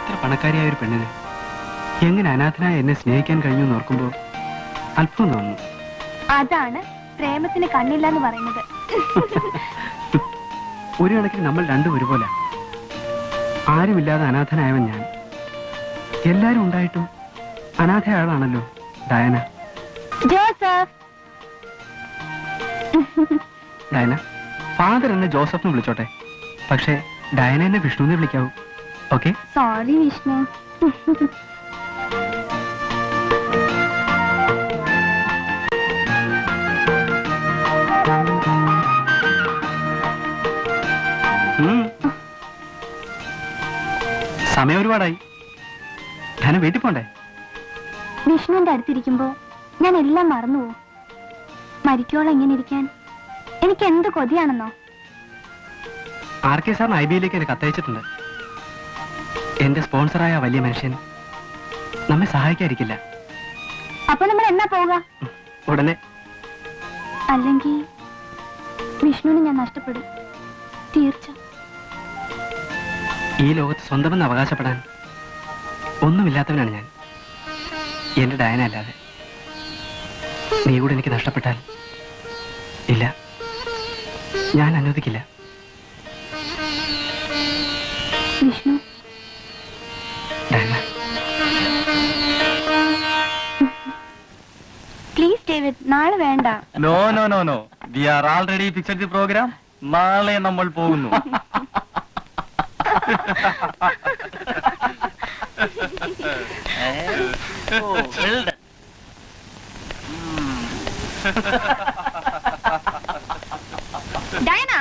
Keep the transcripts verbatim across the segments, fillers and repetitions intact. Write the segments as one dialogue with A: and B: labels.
A: ഇത്ര പണക്കാരിയായ ഒരു പെണ്ണിന് എങ്ങനെ അനാഥനായ എന്നെ സ്നേഹിക്കാൻ കഴിഞ്ഞു എന്ന് ഓർക്കുമ്പോൾ അല്പം തോന്നുന്നു.
B: അതാണ് പ്രേമത്തിന് കണ്ണില്ല എന്ന് പറയുന്നത്.
A: ഒരു കണക്കിന് നമ്മൾ രണ്ടും ഒരുപോലെ. ആരുമില്ലാതെ അനാഥനായവൻ ഞാൻ. എല്ലാരും ഉണ്ടായിട്ടും അനാഥയാളാണല്ലോ ഡയന.
B: ജോസഫ്.
A: ഡയന, ഫാദർ എന്നെ ജോസഫിനെ വിളിച്ചോട്ടെ, പക്ഷേ ഡയന എന്നെ വിഷ്ണുവിനെ വിളിക്കാവൂ. ഓക്കെ?
B: സോറി വിഷ്ണു.
A: സമയം ഒരുപാടായി. ഡയന വീട്ടിൽ പോണ്ടേ?
B: വിഷ്ണുവിന്റെ അടുത്തിരിക്കുമ്പോ ഞാൻ എല്ലാം മറന്നുപോകും. മരിക്കോളം ഇങ്ങനെ ഇരിക്കാൻ എനിക്ക് എന്ത് കൊതിയാണെന്നോ.
A: ആർ കെ സാറിന് ഐ ബിയിലേക്ക് എന്നെ കത്തയച്ചിട്ടുണ്ട്. എന്റെ സ്പോൺസറായ വലിയ മനുഷ്യൻ നമ്മെ സഹായിക്കാതിരിക്കില്ല.
B: അപ്പൊ നമ്മൾ എന്നാ പോവുക?
A: ഉടനെ.
B: അല്ലെങ്കിൽ വിഷ്ണുവിനെ ഞാൻ നഷ്ടപ്പെടും, തീർച്ച.
A: ഈ ലോകത്ത് സ്വന്തമെന്ന് അവകാശപ്പെടാൻ ഒന്നുമില്ലാത്തവനാണ് ഞാൻ. എന്റെ ഡയന അല്ലാതെ. നീ കൂടെ എനിക്ക് നഷ്ടപ്പെട്ടാൽ ഇല്ല, ഞാൻ അനുവദിക്കില്ല.
B: വിഷ്ണു,
A: ഡയന,
B: പ്ലീസ് ഡേവിഡ്, നാളെ വേണ്ട.
C: No no no no we are already fixed the programme. നാളെ നമ്മൾ പോകുന്നു.
B: ഡയന,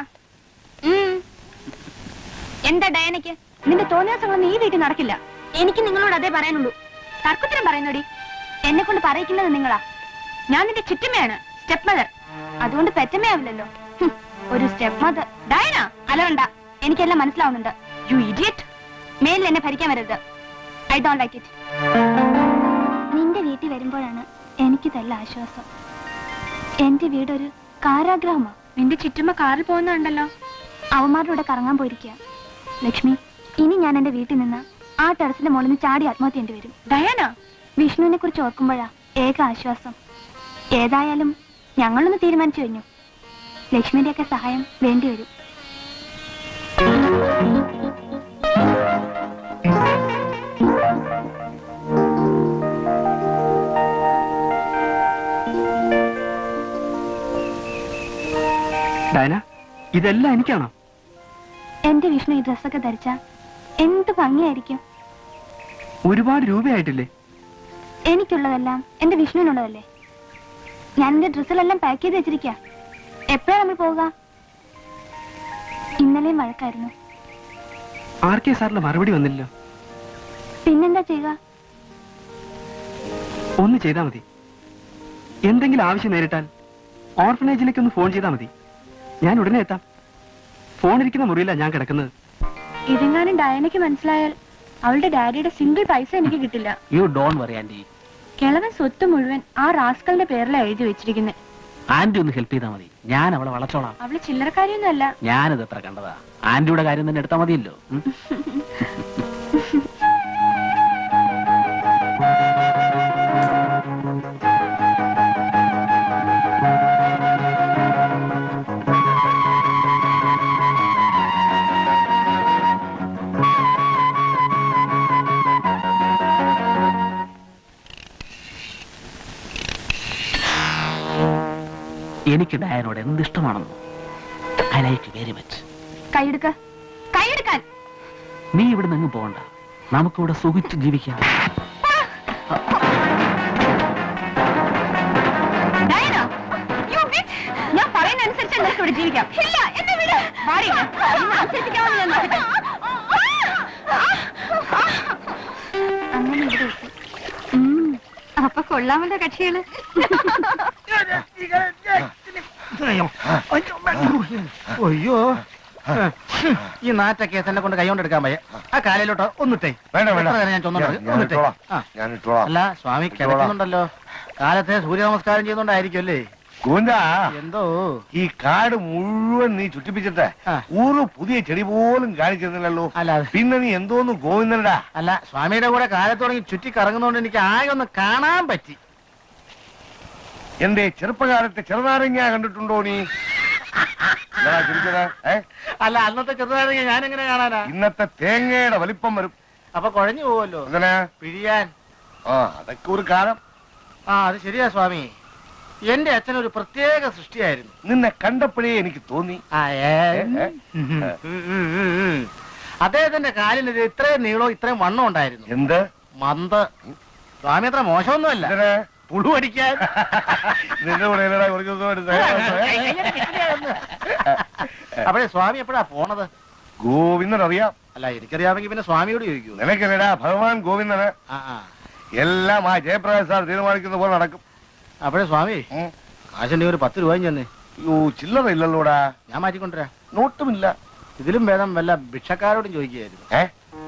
B: എന്താ ഡയനയ്ക്ക്? നിന്റെ തോന്നിയാസങ്ങളൊന്നും ഈ വീട്ടിൽ നടക്കില്ല. എനിക്ക് നിങ്ങളോട് അതേ പറയാനുള്ളൂ. തർക്കത്തിനും പറയുന്നോടി. എന്നെ കൊണ്ട് പറയിക്കുന്നത് നിങ്ങളാ. ഞാൻ നിന്റെ ചുറ്റമ്മയാണ്, സ്റ്റെപ്പ് മദർ. അതുകൊണ്ട് പെറ്റമ്മയാവില്ലല്ലോ. ഒരു സ്റ്റെപ്പ് മദർ. ഡയന, അലവണ്ട. എനിക്കെല്ലാം മനസ്സിലാവുന്നുണ്ട്. You idiot. മേലിൽ എന്നെ ഭരിക്കാൻ വരരുത്. I don't like it. നിന്റെ വീട്ടിൽ വരുമ്പോഴാണ് എനിക്ക് നല്ല ആശ്വാസം. എന്റെ വീടൊരു കാരാഗ്രഹമാ. നിന്റെ ചുറ്റുമ്പോ കാറിൽ പോകുന്നുണ്ടല്ലോ. അവന്മാരുടെ കൂടെ കറങ്ങാൻ പോയിരിക്കുക. ലക്ഷ്മി, ഇനി ഞാൻ എന്റെ വീട്ടിൽ നിന്ന് ആ ടെറസിന്റെ മുകളിൽ നിന്ന് ചാടി ആത്മഹത്യ ചെയ്യേണ്ടി വരും. ഡയാന, വിഷ്ണുവിനെ കുറിച്ച് ഓർക്കുമ്പോഴാ ഏക ആശ്വാസം. ഏതായാലും ഞങ്ങളൊന്ന് തീരുമാനിച്ചു കഴിഞ്ഞു. ലക്ഷ്മിയുടെയൊക്കെ സഹായം വേണ്ടി വരും.
A: ഡയന, ഇതെല്ലാം എനിക്കാണോ?
B: എന്റെ വിഷ്ണു ഈ ഡ്രസ്സൊക്കെ ധരിച്ച എന്ത് ഭംഗിയായിരിക്കും.
A: ഒരുപാട് രൂപയായിട്ടില്ലേ?
B: എനിക്കുള്ളതെല്ലാം എന്റെ വിഷ്ണുവിനുള്ളതല്ലേ. ഞാൻ എന്റെ ഡ്രസ്സിലെല്ലാം പാക്ക് ചെയ്ത് വെച്ചിരിക്ക. എപ്പോഴാ നമ്മൾ പോവുക? ഇന്നലെയും വഴക്കായിരുന്നു.
A: ആർ കെ സാറിന്റെ മറുപടി വന്നില്ലല്ലോ.
B: പിന്നെന്താ ചെയ്യുക?
A: ഒന്ന് ചെയ്താൽ മതി. എന്തെങ്കിലും ആവശ്യം നേരിട്ടാൽ ഓർഫനേജിലേക്ക് ഒന്ന് ഫോൺ ചെയ്താൽ മതി. ഞാൻ ഉടനെ എത്താം. ഫോൺ ഇരിക്കുന്ന മുറിയില്ല ഞാൻ കിടക്കുന്നത്.
B: ഇതെങ്ങാനും ഡയനയ്ക്ക് മനസ്സിലായാൽ അവളുടെ ഡാഡിയുടെ സിംഗിൾ പൈസ എനിക്ക് കിട്ടില്ല.
C: You don't worry aunty.
B: കിളവൻ സ്വത്ത് മുഴുവൻ ആ റാസ്കലിന്റെ പേരിലാണ് എഴുതി വെച്ചിരിക്കുന്നത്.
C: ആന്റി ഒന്ന് ഹെൽപ്പ് ചെയ്താൽ മതി. ഞാൻ അവളെ വളച്ചോളാം.
B: അവള് ചില്ലറക്കാരിയൊന്നും അല്ല.
C: ഞാനിത് എത്ര കണ്ടതാ. ആന്റിയുടെ കാര്യം തന്നെ എടുത്താൽ മതിയല്ലോ. എനിക്ക് ഡയനോട് എന്തിഷ്ടമാണെന്നോ. I like very much.
B: കൈയെടുക്ക, കൈയെടുക്കാൻ.
C: നീ ഇവിടെ നിന്ന് പോകണ്ട. നമുക്കിവിടെ സുഖിച്ച് ജീവിക്കാം.
B: ഞാൻ പറയുന്ന അനുസരിച്ച് നിങ്ങൾക്ക് ഇവിടെ ജീവിക്കാം. ഇല്ല, എന്നെ വിട്. അങ്ങനെ ഇവിടെ എത്തി. അപ്പൊ കൊള്ളാമല്ലോ കക്ഷികള്.
D: അയ്യോ, ഈ നാറ്റ കേസ് എന്നെ കൊണ്ട് കൈകൊണ്ടെടുക്കാൻ പയ്യ. ആ കാലയിലോട്ട് ഒന്നിട്ടേ.
E: വേണ്ട വേണ്ട,
D: ഞാൻ ചൊന്നിട്ടേ. അല്ല, സ്വാമി കിടക്കുന്നുണ്ടല്ലോ. കാലത്തെ സൂര്യ നമസ്കാരം ചെയ്യുന്നോണ്ടായിരിക്കും അല്ലേ?
E: ഗോവിന്ദ
D: എന്തോ
E: ഈ കാട് മുഴുവൻ നീ ചുറ്റിപ്പിച്ചിട്ട്
D: ആ.
E: ഒരു പുതിയ ചെടി പോലും കാണിച്ചിരുന്നില്ലല്ലോ.
D: അല്ല അത്
E: പിന്നെ നീ എന്തോന്ന് ഗോവിന്ദനടാ?
D: അല്ല സ്വാമിയുടെ കൂടെ കാലത്ത് തുടങ്ങി ചുറ്റി കറങ്ങുന്നോണ്ട് എനിക്ക് ആകെ ഒന്ന് കാണാൻ പറ്റി.
E: എന്റെ ചെറുപ്പകാലത്തെ ചെറുനാരങ്ങ കണ്ടിട്ടുണ്ടോ നീ? എന്താടാ ചിരിച്ചത്? ഏ?
D: അല്ല അന്നത്തെ ചെറുതാണെങ്കിൽ ഞാൻ എങ്ങനെ കാണാനാ?
E: ഇന്നത്തെ തേങ്ങയുടെ വലിപ്പം വരും.
D: അപ്പൊ കുഴഞ്ഞു പോവല്ലോ
E: അങ്ങനെ
D: പിഴിയാൻ.
E: ആ അതൊക്കെ ഒരു കാലം.
D: ആ അത് ശരിയാ സ്വാമി. എന്റെ അച്ഛൻ ഒരു പ്രത്യേക സൃഷ്ടിയായിരുന്നു.
E: നിന്നെ കണ്ടപ്പോഴേ എനിക്ക് തോന്നി.
D: ആ, ഏ,
E: ഏ, ഏ,
D: ഉം, ഉം, ഉം, ഉം, ഉം. അദ്ദേഹത്തിന്റെ കാലിന് ഇത് ഇത്രയും നീളവും ഇത്രയും വണ്ണം ഉണ്ടായിരുന്നു.
E: എന്ത്
D: മന്ത്. സ്വാമി അത്ര മോശമൊന്നുമല്ല.
E: ഇതിന്
D: പുഴു അടിക്കാൻ.
E: നിന്റെ കൂടെ ഇല്ലടാ കുറച്ച് ദിവസം എടുത്ത്.
D: അപ്പോഴേ സ്വാമി എപ്പോഴാ പോണത്?
E: ഗോവിന്ദൻ അറിയാം.
D: അല്ല എനിക്കറിയാമെങ്കിൽ പിന്നെ സ്വാമിയോട് ചോദിക്കൂ.
E: നിനക്കല്ലടാ ഭഗവാൻ ഗോവിന്ദന്.
D: ആ ആ
E: എല്ലാം ആ ജയപ്രകാശ് സാർ തീരുമാനിക്കുന്ന പോലെ നടക്കും.
D: അപ്പോഴേ സ്വാമി
E: ഉം.
D: കാശന്റെ ഒരു പത്ത് രൂപയും ചെന്നേ.
E: അയ്യോ ചില്ലറ ഇല്ലല്ലോടാ.
D: ഞാൻ മാറ്റിക്കൊണ്ടുവരാം.
E: നോട്ടുമില്ല.
D: ഇതിലും ഭേദം വല്ല ഭിക്ഷക്കാരോടും ചോദിക്കുകയായിരുന്നു.
E: ഏ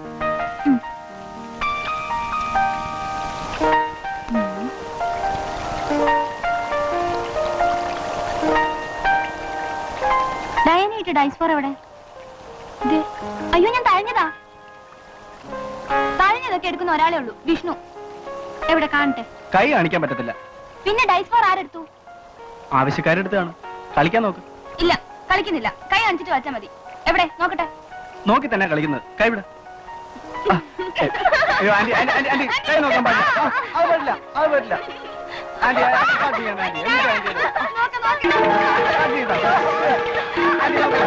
B: ഡയനായിട്ട് ഡൈസ് ഫോർ എവിടെ? ദേ, അയ്യോ ഞാൻ തഴഞ്ഞതാ. തഴഞ്ഞതൊക്കെ എടുക്കുന്ന ഒരാളേ ഉള്ളൂ, വിഷ്ണു. എവിടെ കാണട്ടെ?
A: കൈ കാണിക്കാൻ പറ്റത്തില്ല.
B: പിന്നെ ഡൈസ് ഫോർ ആരെടുത്തു?
A: ആവശ്യക്കാരെടുത്താണ്. കളിക്കാൻ നോക്ക്.
B: ഇല്ല, കളിക്കുന്നില്ല. കൈ കാണിച്ചിട്ട് വച്ചാ മതി. എവിടെ നോക്കട്ടെ?
A: നോക്കി തന്നെ കളിക്കുന്നത്. കൈ വിട. ആ, ഏ, അയ്യോ ആന്റി ആന്റി ആന്റി ആന്റി കൈ നോക്കാൻ പാടില്ല. ആ, അത് പറ്റില്ല അത് പറ്റില്ല. ആന്റി ആന്റി ആന്റി ചെയ്യണ്ട, ആന്റി എന്ത് ആന്റി ചെയ്യണ്ട.
B: നോക്ക്, നോക്ക്.
A: ആന്റി ചെയ്താ. ആന്റി നോക്ക്.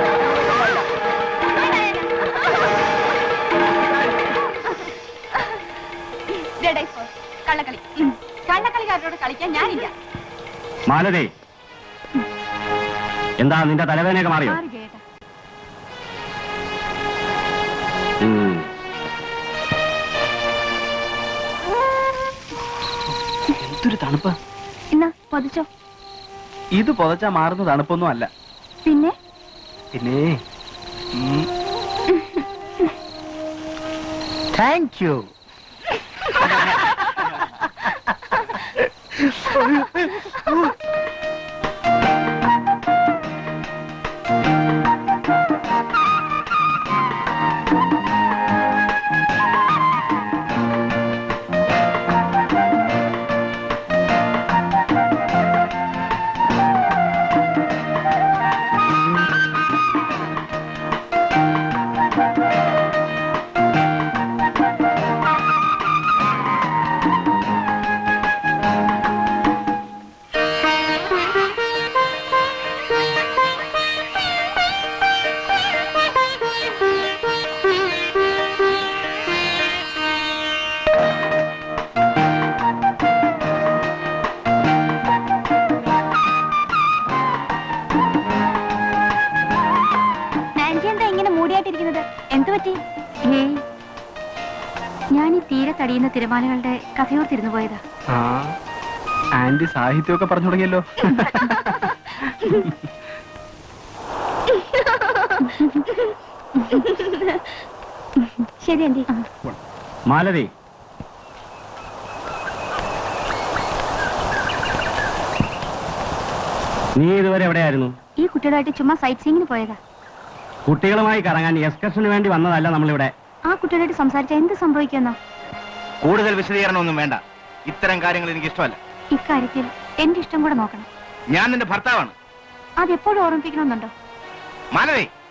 B: ദേ ഡൈസ് ഫോർ. കള്ളക്കളി. ഉം. കള്ളക്കളിക്കാരോട് കളിക്കാൻ ഞാനില്ല.
C: മാലതി, എന്താ നിന്റെ തലവേദനയൊക്കെ മാറിയോ?
B: മാറി ജയേട്ടാ.
C: ഉം.
A: എന്തൊരു തണുപ്പ്.
B: എന്നാ പൊതിച്ചോ.
A: ഇത് പുതച്ചാ മാറുന്ന തണുപ്പൊന്നും അല്ല.
B: പിന്നെ
A: പിന്നെ ഉം,
D: താങ്ക് യു.
B: നാൻസി എന്താ ഇങ്ങനെ മൂടിയായിട്ടിരിക്കുന്നത്? എന്തു പറ്റി? ഏയ്, ഞാൻ ഈ തീരെ തടിയുന്ന തിരമാലകളുടെ കഥയോർത്തിരുന്നു പോയതാ.
A: ആ ആന്റി സാഹിത്യമൊക്കെ പറഞ്ഞു തുടങ്ങിയല്ലോ.
B: ശരി ആന്റി.
C: മാലതി, നീ ഇതുവരെ എവിടെയായിരുന്നു?
B: ഈ കുട്ടികളായിട്ട് ചുമ്മാ സൈറ്റ് സീയിങ്ങിന് പോയതാ.
C: കുട്ടികളുമായി കറങ്ങാൻ എക്സ്കർഷന് വേണ്ടി വന്നതല്ല നമ്മളിവിടെ.
B: ആ കുട്ടികളായിട്ട് സംസാരിച്ചാൽ എന്ത് സംഭവിക്കുമെന്നോ?
D: കൂടുതൽ വിശദീകരണമൊന്നും വേണ്ട. ഇത്തരം കാര്യങ്ങൾ എനിക്ക് ഇഷ്ടമല്ല.
B: ഇക്കാര്യത്തിൽ എന്റെ ഇഷ്ടം കൂടെ നോക്കണം.
D: ഞാൻ നിന്റെ ഭർത്താവാണ്.
B: അതെപ്പോഴും ഓർമ്മിപ്പിക്കണമെന്നുണ്ടോ?
D: മാലതി,